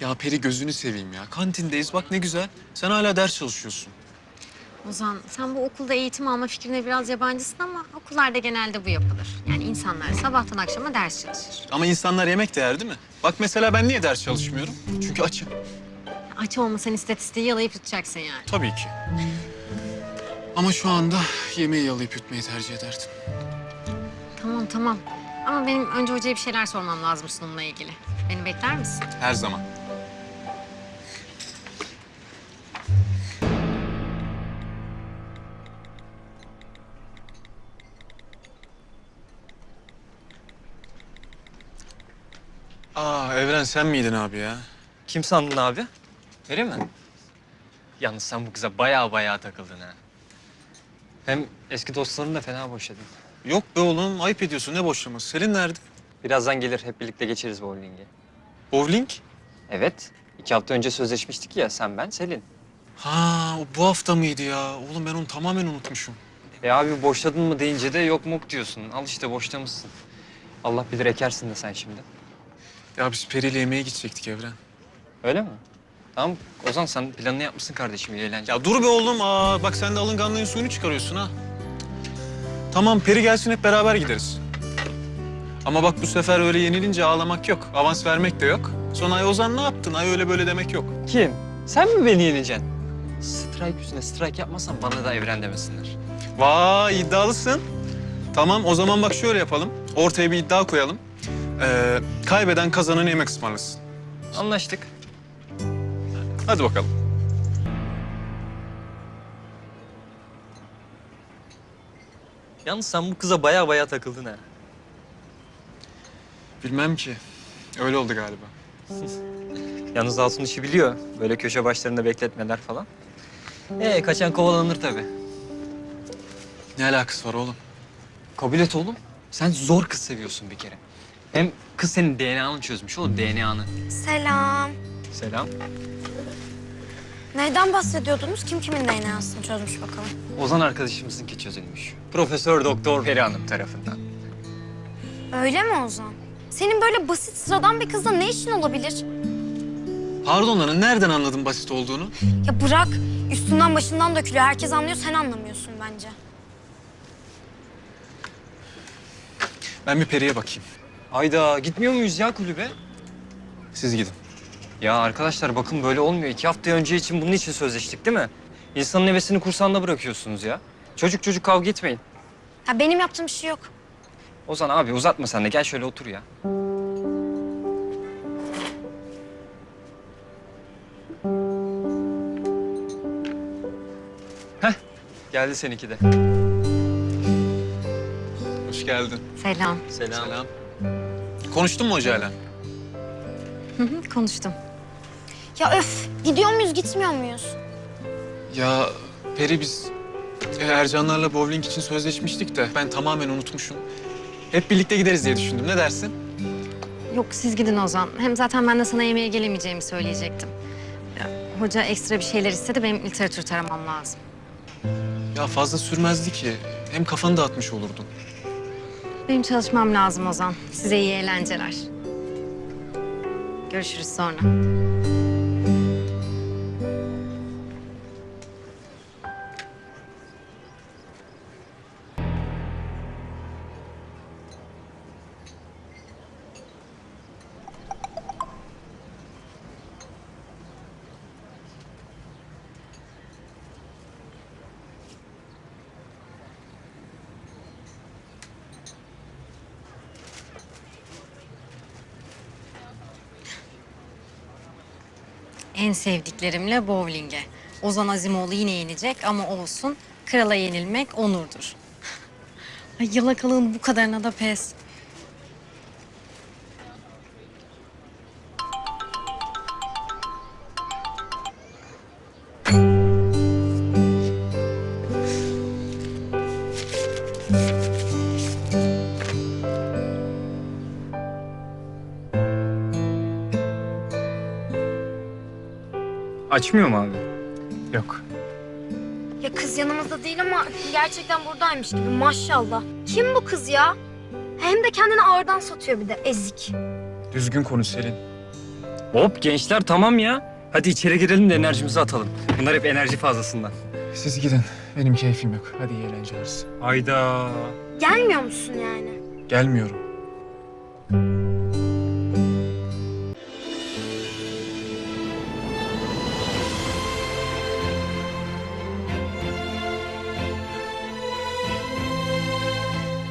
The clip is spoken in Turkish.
Ya Peri gözünü seveyim ya. Kantindeyiz bak ne güzel. Sen hala ders çalışıyorsun. Ozan, sen bu okulda eğitim alma fikrine biraz yabancısın ama okullarda genelde bu yapılır. Yani insanlar sabahtan akşama ders çalışır. Ama insanlar yemek de yer değil mi? Bak mesela ben niye ders çalışmıyorum? Çünkü açım. Aç olmasan istatistiği yalayıp yutacaksın yani. Tabii ki. Ama şu anda yemeği yalayıp yutmayı tercih ederdim. Tamam tamam. Ama benim önce hocaya bir şeyler sormam lazım sunumla ilgili. Beni bekler misin? Her zaman. Evren sen miydin abi ya? Kim sandın abi? Öyle mi? Yalnız sen bu kıza baya takıldın ha. Hem eski dostlarını da fena boşadın. Yok be oğlum ayıp ediyorsun ne boşlaması. Selin nerede? Birazdan gelir, hep birlikte geçeriz bowling'e. Bowling? Evet, 2 hafta önce sözleşmiştik ya, sen, ben, Selin. Ha o bu hafta mıydı ya? Oğlum ben onu tamamen unutmuşum. Abi boşladın mı deyince de yok muk diyorsun. Al işte boşlamışsın. Allah bilir ekersin de sen şimdi. Ya biz Peri'yle yemeğe gidecektik Evren. Öyle mi? Tamam, Ozan sen planını yapmışsın kardeşim, iyi eğlence. Ya dur be oğlum. Bak sen de alınganlığın suyunu çıkarıyorsun ha. Tamam Peri gelsin hep beraber gideriz. Ama bak bu sefer öyle yenilince ağlamak yok. Avans vermek de yok. Sonra ay Ozan ne yaptın? Ay öyle böyle demek yok. Kim? Sen mi beni yeneceksin? Strike yüzüne strike yapmazsan bana da Evren demesinler. Vay iddialısın. Tamam o zaman bak şöyle yapalım. Ortaya bir iddia koyalım. Kaybeden kazananı yemek ısmarlasın. Anlaştık. Hadi bakalım. Yalnız sen bu kıza baya takıldın ha. Bilmem ki. Öyle oldu galiba. Yalnız Altun işi biliyor. Böyle köşe başlarında bekletmeler falan. Kaçan kovalanır tabii. Ne alakası var oğlum? Kabul et oğlum. Sen zor kız seviyorsun bir kere. Hem kız senin DNA'nı çözmüş oğlum, DNA'nı. Selam. Selam. Neyden bahsediyordunuz? Kim kimin DNA'sını çözmüş bakalım. Ozan arkadaşımızınki çözülmüş. Profesör Doktor Peri Hanım tarafından. Öyle mi Ozan? Senin böyle basit sıradan bir kızla ne işin olabilir? Pardon lan nereden anladın basit olduğunu? Ya bırak. Üstünden başından dökülüyor. Herkes anlıyor, sen anlamıyorsun bence. Ben bir Peri'ye bakayım. Ayda gitmiyor muyuz ya kulübe? Siz gidin. Ya arkadaşlar bakın böyle olmuyor. 2 hafta önce için bunun için sözleştik değil mi? İnsanın hevesini kursağında bırakıyorsunuz ya. Çocuk kavga etmeyin. Ya benim yaptığım bir şey yok. Ozan abi uzatma sen de, gel şöyle otur ya. Heh, geldi seninki de. Hoş geldin. Selam. Selam. Konuştun mu hocayla? Hı hı, konuştum. Ya öf, gidiyor muyuz, gitmiyor muyuz? Ya Peri biz Ercanlarla bowling için sözleşmiştik de ben tamamen unutmuşum. Hep birlikte gideriz diye düşündüm. Ne dersin? Yok siz gidin Ozan. Hem zaten ben de sana yemeğe gelemeyeceğimi söyleyecektim. Ya, hoca ekstra bir şeyler istedi. Benim literatür taramam lazım. Ya fazla sürmezdi ki. Hem kafanı dağıtmış olurdun. Benim çalışmam lazım Ozan. Size iyi eğlenceler. Görüşürüz sonra. En sevdiklerimle bowling'e. Ozan Azimoğlu yine yenecek ama olsun. Krala yenilmek onurdur. Ay yalakalığın bu kadarına da pes. Açmıyor mu abi? Yok. Ya kız yanımızda değil ama gerçekten buradaymış gibi, maşallah. Kim bu kız ya? Hem de kendini ağırdan satıyor bir de, ezik. Düzgün konuş Selin. Hop gençler tamam ya. Hadi içeri girelim de enerjimizi atalım. Bunlar hep enerji fazlasından. Siz gidin. Benim keyfim yok. Hadi iyi eğlenceler. Hayda. Gelmiyor musun yani? Gelmiyorum.